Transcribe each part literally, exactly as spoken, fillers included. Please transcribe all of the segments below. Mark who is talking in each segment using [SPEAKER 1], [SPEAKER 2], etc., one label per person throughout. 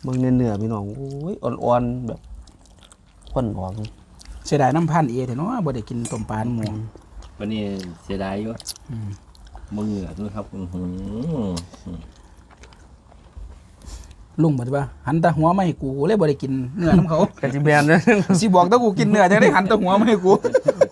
[SPEAKER 1] เบิ่งเนื้อพี่น้องโอ้ยอ่อนๆแบบข้นหอม
[SPEAKER 2] เสียดายน้ำพันเอเถอะเนาะบ่ได้กินต้มปลาหมู
[SPEAKER 3] วันนี้เสียดายอยู่มึงเหงื่อด้วยครับ
[SPEAKER 2] ลุงบอกว่าหันตาหัวมาให้กูเลยบ่ได้กินเนื้อน้ำเขา
[SPEAKER 1] กะจิแบนนะ
[SPEAKER 2] สิบอกถ้ากูกินเนื้อจะได้หันตาหัวมาให้กู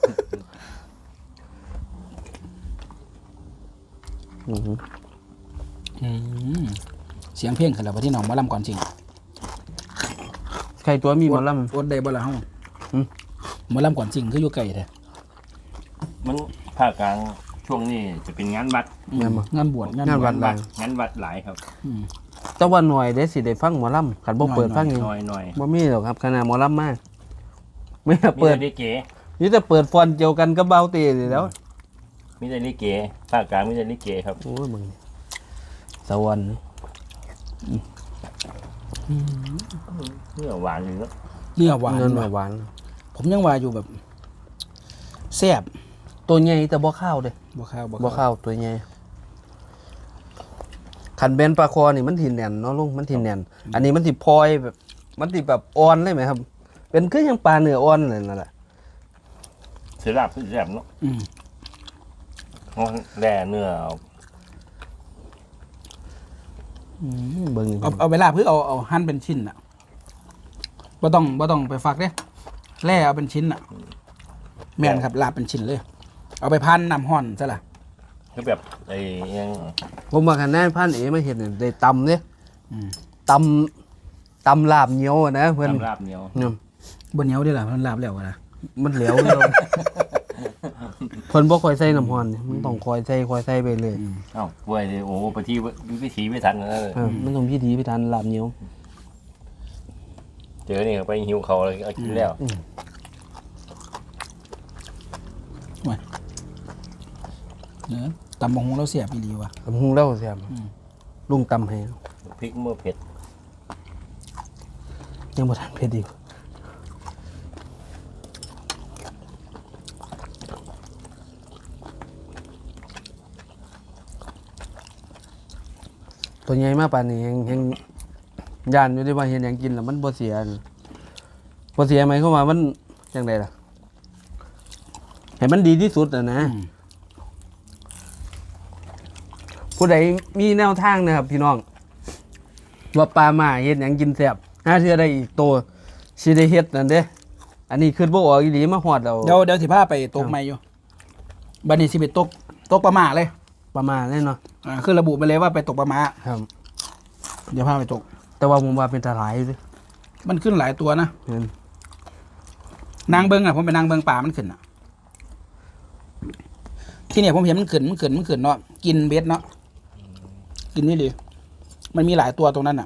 [SPEAKER 2] เสียงเพลงขึ้นแล้วที่น้องมาลำก่อนจริง
[SPEAKER 1] ใครตัวมีหมอลำ
[SPEAKER 2] อดได้บ่ล่ะเฮาหมอลำก่อนจริงคืออยู่ไกลแท้
[SPEAKER 3] มันภาคกลางช่วงนี้จะเป็นงานวัด
[SPEAKER 2] งานบวช
[SPEAKER 1] งานวัดหลาย
[SPEAKER 3] งานวัดหลายครับ
[SPEAKER 1] แต่ว่าหน่อยได้สิได้ฟังหมอลำขันบ่เปิดฟังอยู่
[SPEAKER 3] หน่อยหน่อย
[SPEAKER 1] บ่มีหรอกครับขนาดหมอลำมากไม่เปิด
[SPEAKER 3] ลิเก
[SPEAKER 1] นี่จะเปิดฟอนเดียวกันกับเบาตีแล้ว
[SPEAKER 3] มีแต่ลิเกภาคกลางมีแต่ลิเกครับ
[SPEAKER 1] โอ้ยมึงสวรรค์
[SPEAKER 3] เนื้อหวานอยู่เนาะ
[SPEAKER 2] เนื้อหวาน
[SPEAKER 1] เนื้อหวาน
[SPEAKER 2] ผมยังว่าอยู่แบบแซ่บ
[SPEAKER 1] ตัวใหญ่แต่บ่ข้าวเด้
[SPEAKER 2] บ่ข้าว
[SPEAKER 1] บ่ข้าวตัวใหญ่ขันเบนปลาคอนี่มันถิ่นแน่นเนาะลุงมันถิ่นแน่นอันนี้มันสิพลอยแบบมันสิแบบอ่อนเลยไหมครับเป็นคือยังปลาเนื้ออ่อนเลยนั่นแหละ
[SPEAKER 3] เสือลาบเสือแซ่บเนาะอืมแร่เนื้อ
[SPEAKER 1] เบิ่ง
[SPEAKER 2] เอาเอาเวลาเพื่อเอาเอาหั่นเป็นชิ้นอ่ะบ่ต้องบ่ต้องไปฝักเด้แล่เอาเป็นชิ้นอ่ะแม่นครับลาบเป็นชิ้นเลยเอาไปพันน้ำห้อนซะล่ะ
[SPEAKER 3] คือแบบไอ้ยัง
[SPEAKER 1] ผมมาขันแน่พันเอ๋มาเห็นได้ตำเนี่ยตำตำลาบเหนียวนะเพื่อน
[SPEAKER 3] ตำลาบเหนียว
[SPEAKER 1] เนี่ย
[SPEAKER 2] บนเหนียวได้หรอมันลาบแล้วนะ
[SPEAKER 1] มันเหลวเลยเพิ่นบ่คอยใส่น้ำห้อนมันต้องคอยใส่คอยใส่ไปเลย
[SPEAKER 3] เอ้าป่วยเลยโอ้ไปที่วิถีไม่ทันเลย
[SPEAKER 1] มันต้องพิธีพิธันลาบเหนียว
[SPEAKER 3] เจอนี่ไปหิวเขาเลยเอากินแล้ว
[SPEAKER 2] เนื้อตำมงเราเสียบอีหลีว่ะ
[SPEAKER 1] ตำมงเราเสียบลุงตำให้
[SPEAKER 3] พริกเมื่อเผ็ด
[SPEAKER 1] ยังบ่ทันเผ็ดอีกตัวใหญ่มากป่านนี้ยังยังย่านอยู่ที่ว่าเห็นอย่างกินแล้วมันบ่เสียบ่เสียไหมเข้ามามันจังไดล่ะให้มันดีที่สุดอ่ะนะผู้ใดมีแนวทางนะครับพี่น้องว่าปลาหมาเฮ็ดหยังกินแซ่บหาเทื่อได้อีกโตสิได้เฮ็ดนั่นเด้อันนี้คือบ่ออกอีหลีมาฮอดแล้ว
[SPEAKER 2] เดี๋ยวเดี๋ยวสิพาไปตกใหม่อยู่บัดนี้สิไปตกตกปลาหมาเลย
[SPEAKER 1] ปลาหมาแน่เนาะ
[SPEAKER 2] อ่าคือระบุไปเลยว่าไปตกปลาหมา
[SPEAKER 1] ครับ
[SPEAKER 2] เดี๋ยวพาไปตก
[SPEAKER 1] แต่ว่าผมว่าเป็นตาหลายอยู่
[SPEAKER 2] มันขึ้นหลายตัวนะนางเบิงอ่ะผมไปนางเบิงป่ามันขึ้นอ่ะที่เนี่ยผมเห็นมันขึ้นมันขึ้นมันขึ้นเนาะกินเบ็ดเนาะกินนี่ดิมันมีหลายตัวตรงนั้นอ่ะ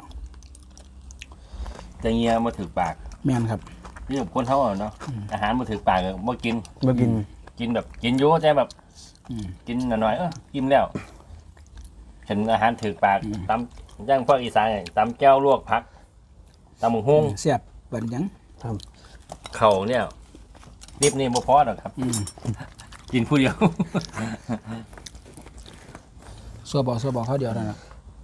[SPEAKER 3] แต่เงี้ยมาถือปาก
[SPEAKER 2] แม่นครับ
[SPEAKER 3] นี่แบบคนเท่าเนาะอาหารมาถือปากมากิน
[SPEAKER 1] มากิน
[SPEAKER 3] กินแบบกินเยอะใจแบบกินหน่อยๆเออกินแล้วเห็นอาหารถือปากตำย่างพวกอีสานตำแก้วลวกผักตำหมูหุ้ง
[SPEAKER 2] เสียบเปิดยัง
[SPEAKER 3] เข่าเนี่ยนิบนี่บ่พอหรอกครับกินผู้เดียว
[SPEAKER 2] ซัวบอกซัวบอกเขาเดียวนั่นแหละ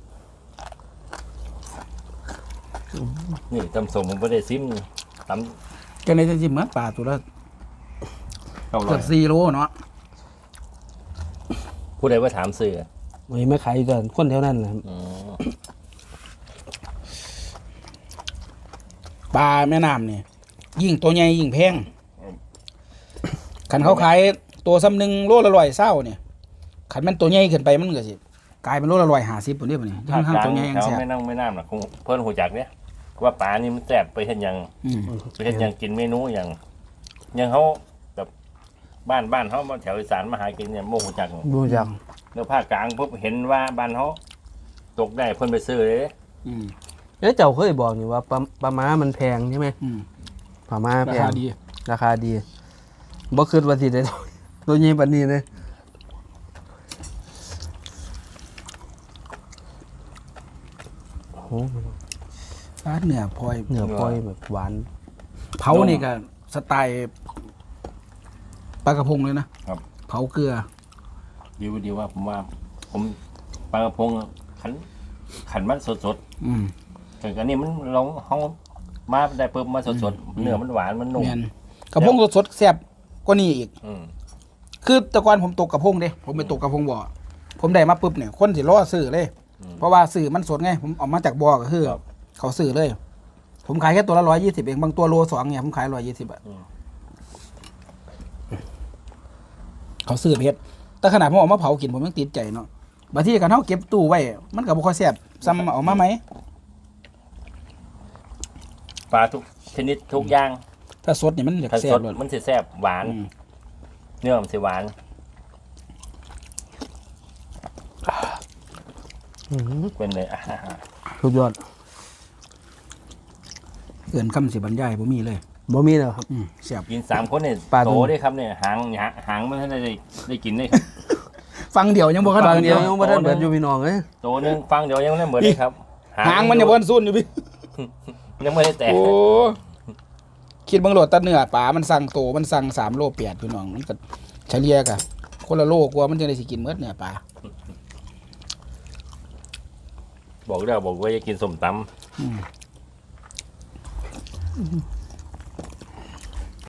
[SPEAKER 3] นี่ตำสมผมไม่ได้ซิมต
[SPEAKER 2] ำกันในจะจิ้มเหมือนปลาตัวละเกือบสี่โลเนาะ
[SPEAKER 3] ผู้ใดว่าถามซื้อ
[SPEAKER 1] ไม่ไม่ขายกันคนแถวนั้นแหละ
[SPEAKER 2] ปลาแม่น้ำเนี่ยยิ่งตัวใหญ่ยิ่งแพงขันเขาขายตัวซ้ำหนึ่งโลละร้อยเศร้าเนี่ยขันมันตัวใหญ่ขึ้นไปมันก็สิกลายเป็นโลละร้อยห้าสิบตัวนี้ป่ะเนี่ย
[SPEAKER 3] ทั้งตัวใหญ่เขาไม่นั่งไม่น้ำหรอกเพิ่นหูจักเนี่ยว่าปลานี่มันแสบไปเห็นยังไปเห็นยังกินเมนูอย่างยังเขาแบบบ้านบ้านเขาแถวอีสานมาหากินเนี่ยโมหูจัก
[SPEAKER 1] โมหูจัก
[SPEAKER 3] เนื้อภาคกลางปุ๊บเห็นว่าบ้านเขาตกได้เพิ่นไปซื้อเลย
[SPEAKER 1] เอ๊ะเจ้าเคยบอกนี่ว่าปลาปลาม้ามันแพงใช่ไหมปลาม้าแพงราคาดีราคาดีบ่คิดว่าสิได้ตัวใหญ่ปานนี้เลยโอ้โห
[SPEAKER 2] เนื้อพลอย
[SPEAKER 1] เนื้อพลอยแบบหวาน
[SPEAKER 2] เผานี่ก็สไตล์ปลากระพงเลยนะครับเผาเกลือ
[SPEAKER 3] ดีว่าดีว่าผมว่าผมปลากระพงขันขันมันสดสดถึงอันนี้มันลองเขามาได้ปุ๊บมาสดๆเนื้อมันหวานมันนุ่ม
[SPEAKER 2] แม่นกระพงสดๆแซ่บกว่านี้อีก
[SPEAKER 3] อืม
[SPEAKER 2] คือแต่ก่อนผมตกกระพงเด้ผมไปตกกระพงบ่อผมได้มาปุ๊บเนี่ยคนสิรอซื้อเลย เพราะว่าซื้อมันสดไงผมเออกมาจากบ่อก็คือ
[SPEAKER 3] ครับ
[SPEAKER 2] เขาซื้อเลย ผมขายแค่ตัวละร้อยยี่สิบเองบางตัวโลสองเนี่ยผมขายร้อยยี่สิบอะเขาซื้อเพชรแต่ขนาดผมเออกมาเผากินผมยังติดใจเนาะบางทีกันเขาเก็บตู้ไว้ มันก็บ่ค่อยแซ่บซ้ำเอาออกมาไหม
[SPEAKER 3] ปลาทุกชนิดทุกอย่าง
[SPEAKER 2] ถ้าสดเนี่ยมันอยาก
[SPEAKER 3] ถ้า
[SPEAKER 2] แซ่
[SPEAKER 3] ส
[SPEAKER 2] บ
[SPEAKER 3] ด
[SPEAKER 2] เลย
[SPEAKER 3] มันสิแซ่บหวาน
[SPEAKER 2] อืม
[SPEAKER 3] เนื้อมันสิหวาน เป็นเลยอ่ะ
[SPEAKER 1] สุดยอด
[SPEAKER 2] เกินคำสิบรรยายบ่มีเลย
[SPEAKER 1] บ่มีแล้วครับ
[SPEAKER 2] อืมแซ่บ
[SPEAKER 3] กินสามคนเนี่ย
[SPEAKER 1] ปลา
[SPEAKER 3] โต
[SPEAKER 1] ตัว
[SPEAKER 3] ได้ครับเนี่ยหางหางหางมันได้ได้ได้กินได้ครับ
[SPEAKER 2] ฟังเดียวยังบ่ขนา
[SPEAKER 1] บา
[SPEAKER 2] ด
[SPEAKER 1] งเดียวยังบ่ทันเบิดอยู่พี่น้องเอ้ย
[SPEAKER 3] โตหนึงฟังเดี๋ยวยังไม่ได้เหมือนเลยครับ
[SPEAKER 2] หางมันยังบ่ทันซุ่นอยู่พี่
[SPEAKER 3] ยังไม่ได้แตก
[SPEAKER 2] โอ้คิดเบางโหลดแตะเนื้อป่ามันสั่งโตมันสั่งสามโลเปียดพี่น้องมันก็เฉลี่ยกะคนละโลกว่ามันจะได้สิกินเมื่อเนื้อป่า
[SPEAKER 3] บอกแล้วบอกว่าจะกินส้มตำ
[SPEAKER 2] อืม